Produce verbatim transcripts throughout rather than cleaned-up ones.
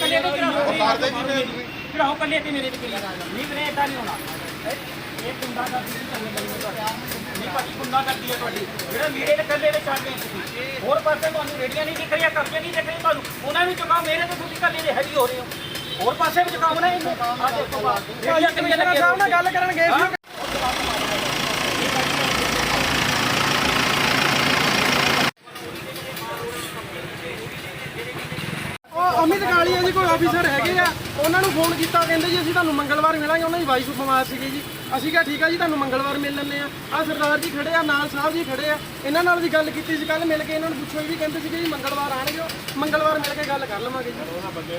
ਕੱਲੇ ਤੋਂ ਚੜਾਓ ਕੱਲੇ ਤੇ ਮੇਰੇ ਤੇ ਕਿੰਨੀ ਨਹੀਂ ਵੀਰੇ ਇਦਾਂ ਨਹੀਂ ਹੋਣਾ ਇਹ ਗੁੰਡਾ ਕਰਦੀ ਨਹੀਂ ਭਾਜੀ ਗੁੰਡਾ ਕਰਦੀ ਹੈ ਤੁਹਾਡੀ ਜਿਹੜਾ ਮੇਰੇ ਤੇ ਕੱਲੇ ਦੇ ਚੱਲ ਗਏ ਤੁਸੀਂ ਹੋਰ ਪਾਸੇ ਤੁਹਾਨੂੰ ਰੇੜੀਆਂ ਨਹੀਂ ਦਿਖ ਰਹੀਆਂ ਕਬਜ਼ੇ ਨਹੀਂ ਦਿਖ ਰਹੇ ਤੁਹਾਨੂੰ ਉਹਨਾਂ ਵੀ ਚੁਕਾਓ ਮੇਰੇ ਤੇ ਤੁਸੀਂ ਕੱਲੇ ਦੇ ਹੈਵੀ ਹੋ ਰਹੇ ਹੋ ਹੋਰ ਪਾਸੇ ਵੀ ਚੁਕਾਓ ਨਾ ਇਹਨੂੰ ਆ ਦੇਖੋ ਰੇੜੀਆਂ ਕਿੰਨੀਆਂ ਲੱਗੀਆਂ ਸਾਹਿਬ ਨਾਲ ਗੱਲ ਕਰਨ ਗਏ ਸੀ ਅਮਿਤ ਕਾਲੀਆ ਜੀ ਕੋਈ ਆਫੀਸਰ ਹੈਗੇ ਆ ਉਹਨਾਂ ਨੂੰ ਫੋਨ ਕੀਤਾ ਕਹਿੰਦੇ ਜੀ ਅਸੀਂ ਤੁਹਾਨੂੰ ਮੰਗਲਵਾਰ ਮਿਲਾਂਗੇ ਉਹਨਾਂ ਦੀ ਵਾਈਫ ਬਿਮਾਰ ਸੀਗੀ ਜੀ ਅਸੀਂ ਕਿਹਾ ਠੀਕ ਆ ਜੀ ਤੁਹਾਨੂੰ ਮੰਗਲਵਾਰ ਮਿਲ ਲੈਂਦੇ ਆ ਆ ਸਰਦਾਰ ਜੀ ਖੜੇ ਆ ਨਾਲ ਸਾਹਿਬ ਜੀ ਖੜੇ ਆ ਇਹਨਾਂ ਨਾਲ ਵੀ ਗੱਲ ਕੀਤੀ ਸੀ ਕੱਲ ਮਿਲ ਕੇ ਇਹਨਾਂ ਨੂੰ ਪੁੱਛੋ ਵੀ ਕਹਿੰਦੇ ਸੀਗੇ ਜੀ ਮੰਗਲਵਾਰ ਆਣਗੇ ਮੰਗਲਵਾਰ ਮਿਲ ਕੇ ਗੱਲ ਕਰ ਲਵਾਂਗੇ ਜੀ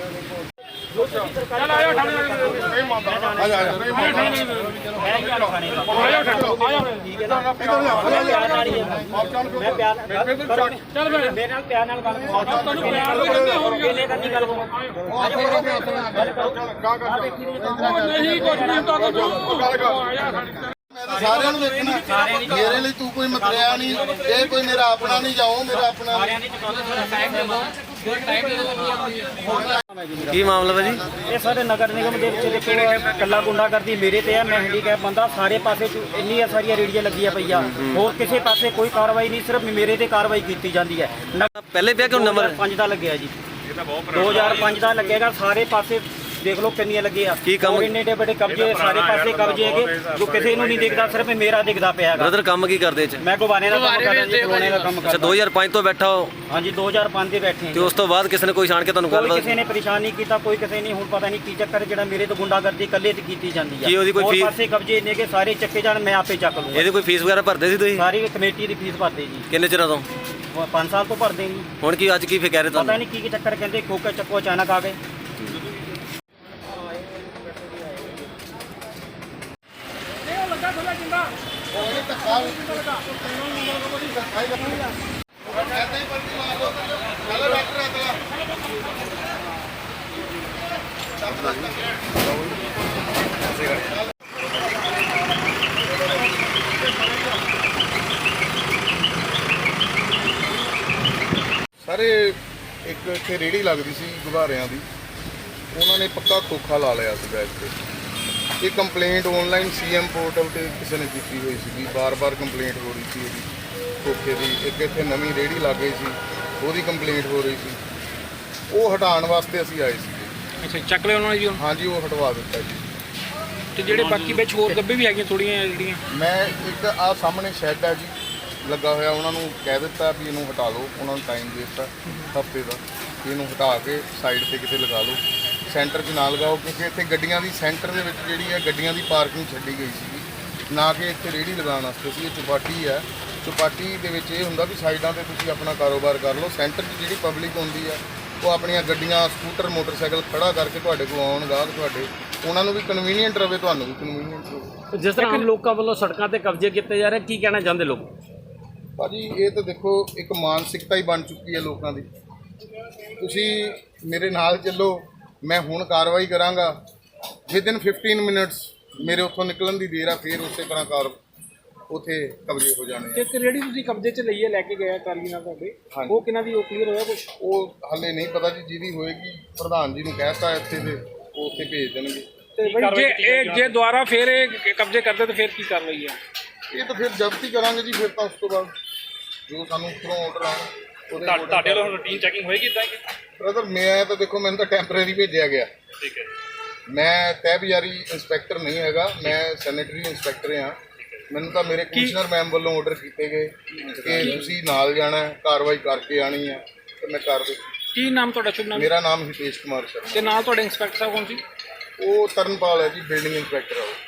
ਚੱਲ ਆਇਓ ਠਾਣੇ ਨਹੀਂ ਮੰਨਦਾ ਆ ਜਾ ਆ ਜਾ ਮੈਂ ਪਿਆਰ ਚੱਲ ਮੇਰੇ ਨਾਲ ਪਿਆਰ ਨਾਲ ਗੱਲ ਤੁਹਾਨੂੰ ਪਿਆਰ ਨਾਲ ਕਹਿੰਦੇ ਹੋਣਗੇ ਕਿਲੇ ਕਰਨੀ ਗੱਲ ਕਰੋ ਨਹੀਂ ਕੁਝ ਨਹੀਂ ਤਾਂ ਗੱਲ ਕਰ ਸਾਰਿਆਂ ਨੂੰ ਵੇਖਣਾ ਮੇਰੇ ਲਈ ਤੂੰ ਕੋਈ ਮਤਰਿਆ ਨਹੀਂ ਇਹ ਕੋਈ ਮੇਰਾ ਆਪਣਾ ਨਹੀਂ ਜਾਓ ਮੇਰਾ ਆਪਣਾ ਕੀ ਮਾਮਲਾ ਭਾਜੀ? ਇਹ ਸਾਡੇ ਨਗਰ ਨਿਗਮ ਦੇ ਵਿੱਚ ਦੇਖੋ ਕੱਲਾ ਗੁੰਡਾ ਕਰਦੀ ਮੇਰੇ ਤੇ ਆ ਮੈਂ ਹੈਂਡੀਕੈਪ ਬੰਦਾ ਸਾਰੇ ਪਾਸੇ ਇੰਨੀਆਂ ਸਾਰੀਆਂ ਰੇੜੀਆਂ ਲੱਗੀਆਂ ਪਈਆਂ ਹੋਰ ਕਿਸੇ ਪਾਸੇ ਕੋਈ ਕਾਰਵਾਈ ਨਹੀਂ ਸਿਰਫ ਮੇਰੇ ਤੇ ਕਾਰਵਾਈ ਕੀਤੀ ਜਾਂਦੀ ਹੈ ਪਹਿਲੇ ਪਿਆ ਕਿ ਨੰਬਰ ਪੰਜ ਦਾ ਲੱਗਿਆ ਜੀ ਦੋ ਹਜ਼ਾਰ ਪੰਜ ਦਾ ਲੱਗੇਗਾ ਸਾਰੇ ਪਾਸੇ ਦੇਖ ਲਓ ਕਿੰਨੀਆਂ ਲੱਗੀਆਂ ਕੀ ਕੰਮ ਇੰਨੇ ਡੇ ਬੜੇ ਕਬਜ਼ੇ ਸਾਰੇ ਪਾਸੇ ਕਬਜ਼ੇ ਹੈਗੇ ਜੋ ਕਿਸੇ ਨੂੰ ਨਹੀਂ ਦਿਖਦਾ ਸਿਰਫ ਮੇਰਾ ਦਿਖਦਾ ਪਿਆ ਹੈਗਾ ਬ੍ਰਦਰ ਕੰਮ ਕੀ ਕਰਦੇ ਚ? ਮੈਂ ਗੁਬਾਰੇ ਦਾ ਕੰਮ ਕਰਦਾ ਜੀ ਗੁਬਾਰੇ ਦਾ ਕੰਮ ਅੱਛਾ ਕਰਦਾ ਦੋ ਹਜ਼ਾਰ ਪੰਜ ਤੋਂ ਬੈਠਾ ਹੋ? ਹਾਂਜੀ ਦੋ ਹਜ਼ਾਰ ਪੰਜ ਦੇ ਬੈਠੇ ਤੇ ਉਸ ਤੋਂ ਬਾਅਦ ਕਿਸੇ ਨੇ ਕੋਈ ਛਾਣ ਕੇ ਤੁਹਾਨੂੰ ਕੋਈ ਗੱਲਬਾਤ ਕਿਸੇ ਨੇ ਪਰੇਸ਼ਾਨ ਨਹੀਂ ਕੀਤਾ ਕੋਈ ਕਿਸੇ ਨਹੀਂ ਹੁਣ ਪਤਾ ਨਹੀਂ ਕੀ ਚੱਕਰ ਜਿਹੜਾ ਮੇਰੇ ਤੋਂ ਗੁੰਡਾਗਰਦੀ ਇਕੱਲੇ ਤੇ ਕੀਤੀ ਜਾਂਦੀ ਕੀ ਉਹਦੀ ਕੋਈ ਹੋਰ ਫੀਸ? ਪਾਸੇ ਕਬਜ਼ੇ ਨੇ ਕਿ ਸਾਰੇ ਚੱਕੇ ਜਾਣ ਮੈਂ ਆਪੇ ਚੱਕ ਲੂੰਗਾ ਇਹਦੀ ਕੋਈ ਫੀਸ ਵਗੈਰਾ ਭਰਦੇ ਸੀ ਤੁਸੀਂ? ਸਾਰੀ ਕਮੇਟੀ ਦੀ ਫੀਸ ਭਰਦੇ ਜੀ ਕਿੰਨੇ ਚਿਰਾਂ ਤੋਂ? ਪੰਜ ਸਾਲ ਤੋਂ ਭਰਦੇ ਜੀ ਹੁਣ ਕੀ ਅੱਜ ਕੀ ਫਿਰ ਕਹਿ ਰਹੇ ਪਤਾ ਤੁਹਾਨੂੰ? ਨਹੀਂ ਕੀ ਕੀ ਚੱਕਰ ਕਹਿੰਦੇ ਖੋਕੇ ਚੱਕੋ ਅਚਾਨਕ ਆ ਗਏ ਸਾਰੇ ਇੱਕ ਇੱਥੇ ਰੇੜੀ ਲੱਗਦੀ ਸੀ ਗੁਬਾਰਿਆਂ ਦੀ ਉਹਨਾਂ ਨੇ ਪੱਕਾ ਖੋਖਾ ਲਾ ਲਿਆ ਸੀ ਬੈਗ ਤੇ ਇਹ ਕੰਪਲੇਂਟ ਆਨਲਾਈਨ ਸੀਐਮ ਪੋਰਟਲ ਤੇ ਕਿਸੇ ਨੇ ਕੀਤੀ ਹੋਈ ਸੀਗੀ ਬਾਰ-ਬਾਰ ਕੰਪਲੇਂਟ ਹੋ ਰਹੀ ਸੀ ਇਹਦੀ ਖੋਖੇ ਦੀ ਇੱਕ ਇੱਥੇ ਨਵੀਂ ਰੇੜੀ ਲੱਗ ਗਈ ਸੀ ਉਹਦੀ ਕੰਪਲੇਂਟ ਹੋ ਰਹੀ ਸੀ ਉਹ ਹਟਾਉਣ ਵਾਸਤੇ ਅਸੀਂ ਆਏ ਸੀ। ਅੱਛਾ ਚੱਕ ਲਿਆ ਉਹਨਾਂ ਨੇ ਜੀ? ਹਾਂਜੀ ਉਹ ਹਟਵਾ ਦਿੱਤਾ ਜੀ। ਤੇ ਜਿਹੜੇ ਬਾਕੀ ਵਿੱਚ ਹੋਰ ਗੱਬੇ ਵੀ ਹੈਗੀਆਂ ਥੋੜੀਆਂ ਜਿਹੜੀਆਂ ਮੈਂ ਇੱਕ ਆ ਸਾਹਮਣੇ ਸ਼ੈੱਡ ਹੈ ਜੀ ਲੱਗਾ ਹੋਇਆ ਉਹਨਾਂ ਨੂੰ ਕਹਿ ਦਿੱਤਾ ਵੀ ਇਹਨੂੰ ਹਟਾ ਲਓ ਉਹਨਾਂ ਨੂੰ ਟਾਈਮ ਦੇ ਦਿੱਤਾ ਹਫ਼ਤੇ ਦਾ ਕਿ ਇਹਨੂੰ ਹਟਾ ਕੇ ਸਾਈਡ ਤੇ ਕਿਤੇ ਲਗਾ ਲਓ ਸੈਂਟਰ 'ਚ ਨਾ ਲਗਾਓ ਕਿਉਂਕਿ ਇੱਥੇ ਗੱਡੀਆਂ ਦੀ ਸੈਂਟਰ ਦੇ ਵਿੱਚ ਜਿਹੜੀ ਹੈ ਗੱਡੀਆਂ ਦੀ ਪਾਰਕਿੰਗ ਛੱਡੀ ਗਈ ਸੀਗੀ ਨਾ ਕਿ ਇੱਥੇ ਰੇਹੜੀ ਲਗਾਉਣ ਵਾਸਤੇ ਸੀ ਇਹ ਚੌਪਾਟੀ ਹੈ ਚੌਪਾਟੀ ਦੇ ਵਿੱਚ ਇਹ ਹੁੰਦਾ ਵੀ ਸਾਈਡਾਂ ਤੇ ਤੁਸੀਂ ਆਪਣਾ ਕਾਰੋਬਾਰ ਕਰ ਲਓ ਸੈਂਟਰ 'ਚ ਜਿਹੜੀ ਪਬਲਿਕ ਹੁੰਦੀ ਹੈ ਉਹ ਆਪਣੀਆਂ ਗੱਡੀਆਂ ਸਕੂਟਰ ਮੋਟਰਸਾਈਕਲ ਖੜਾ ਕਰਕੇ ਤੁਹਾਡੇ ਕੋਲ ਆਉਣ ਗਾਹਕ ਤੁਹਾਡੇ ਉਹਨਾਂ ਨੂੰ ਵੀ ਕਨਵੀਨੀਅੰਟ ਰਵੇ ਤੁਹਾਨੂੰ ਵੀ ਕਨਵੀਨੀਅੰਟ ਰਵੇ। ਜਿਸ ਤਰ੍ਹਾਂ ਆਮ ਲੋਕਾਂ ਵੱਲੋਂ ਸੜਕਾਂ ਤੇ ਕਬਜ਼ੇ ਕੀਤੇ ਜਾ ਰਹੇ ਕੀ ਕਹਿਣਾ ਚਾਹੁੰਦੇ ਲੋਕ? ਭਾਜੀ ਇਹ ਤਾਂ ਦੇਖੋ ਇੱਕ ਮਾਨਸਿਕਤਾ ਹੀ ਬਣ ਚੁੱਕੀ ਹੈ ਲੋਕਾਂ ਦੀ ਤੁਸੀਂ ਮੇਰੇ ਨਾਲ ਚੱਲੋ ਮੈਂ ਹੁਣ ਕਾਰਵਾਈ ਕਰਾਂਗਾ ਵਿਦਿਨ ਫਿਫਟੀਨ ਮਿੰਟਸ ਮੇਰੇ ਉੱਥੋਂ ਨਿਕਲਣ ਦੀ ਦੇਰ ਆ ਫਿਰ ਉਸੇ ਤਰ੍ਹਾਂ ਕਾਰ ਉੱਥੇ ਕਬਜ਼ੇ ਹੋ ਜਾਣੇ। ਇੱਕ ਰੇੜੀ ਤੁਸੀਂ ਕਬਜ਼ੇ 'ਚ ਲਈਏ ਲੈ ਕੇ ਗਏ ਕਾਲੀ ਨਾਲ ਤੁਹਾਡੇ ਉਹ ਕਿਹਨਾਂ ਦੀ ਉਹ ਕਲੀਅਰ ਹੋਇਆ ਕੁਝ? ਉਹ ਹਾਲੇ ਨਹੀਂ ਪਤਾ ਜੀ ਜਿਹਦੀ ਹੋਏਗੀ ਪ੍ਰਧਾਨ ਜੀ ਨੂੰ ਕਹਿਤਾ ਇੱਥੇ ਤੇ ਉਹ ਉੱਥੇ ਭੇਜ ਦੇਣਗੇ। ਤੇ ਜੇ ਇਹ ਜੇ ਦੁਬਾਰਾ ਫਿਰ ਇਹ ਕਬਜ਼ੇ ਕਰਦੇ ਤਾਂ ਫਿਰ ਕੀ ਕਾਰਵਾਈ ਹੈ? ਇਹ ਤਾਂ ਫਿਰ ਜ਼ਬਤੀ ਕਰਾਂਗੇ ਜੀ ਫਿਰ ਤਾਂ ਉਸ ਤੋਂ ਬਾਅਦ ਜੋ ਸਾਨੂੰ ਉੱਪਰੋਂ ਆਰਡਰ ਆਉਣ ਉਹਦੇ ਤੁਹਾਡੇ ਵੱਲੋਂ ਰੂਟੀਨ ਚੈਕਿੰਗ ਹੋਏਗੀ ਇਦਾਂ ਕਿ? ਬ੍ਰਦਰ ਮੈਂ ਤਾਂ ਦੇਖੋ ਮੈਨੂੰ ਤਾਂ ਟੈਂਪਰੇਰੀ ਭੇਜਿਆ ਗਿਆ। ਠੀਕ ਹੈ। ਮੈਂ ਤਹਿਬਜ਼ਾਰੀ ਇੰਸਪੈਕਟਰ ਨਹੀਂ ਹੈਗਾ ਮੈਂ ਸੈਨੇਟਰੀ ਇੰਸਪੈਕਟਰ ਹਾਂ ਮੈਨੂੰ ਤਾਂ ਮੇਰੇ ਕਮਿਸ਼ਨਰ ਮੈਮ ਵੱਲੋਂ ਆਰਡਰ ਕੀਤੇ ਗਏ ਕਿ ਤੁਸੀਂ ਨਾਲ ਜਾਣਾ ਕਾਰਵਾਈ ਕਰਕੇ ਆਣੀ ਹੈ ਤੇ ਮੈਂ ਕਰ ਦਿੱਤੀ। ਕੀ ਨਾਮ ਤੁਹਾਡਾ? ਸ਼ੁਭ ਨਾਮ? ਮੇਰਾ ਨਾਮ ਹਿਤੇਸ਼ ਕੁਮਾਰ ਸ਼ਰਮਾ। ਤੇ ਨਾਲ ਤੁਹਾਡੇ ਇੰਸਪੈਕਟਰ ਸਾਹਿਬ ਕੌਣ ਸੀ? ਉਹ ਤਰਨਪਾਲ ਹੈ ਜੀ ਬਿਲਡਿੰਗ ਇੰਸਪੈਕਟਰ ਹੈ ਉਹ।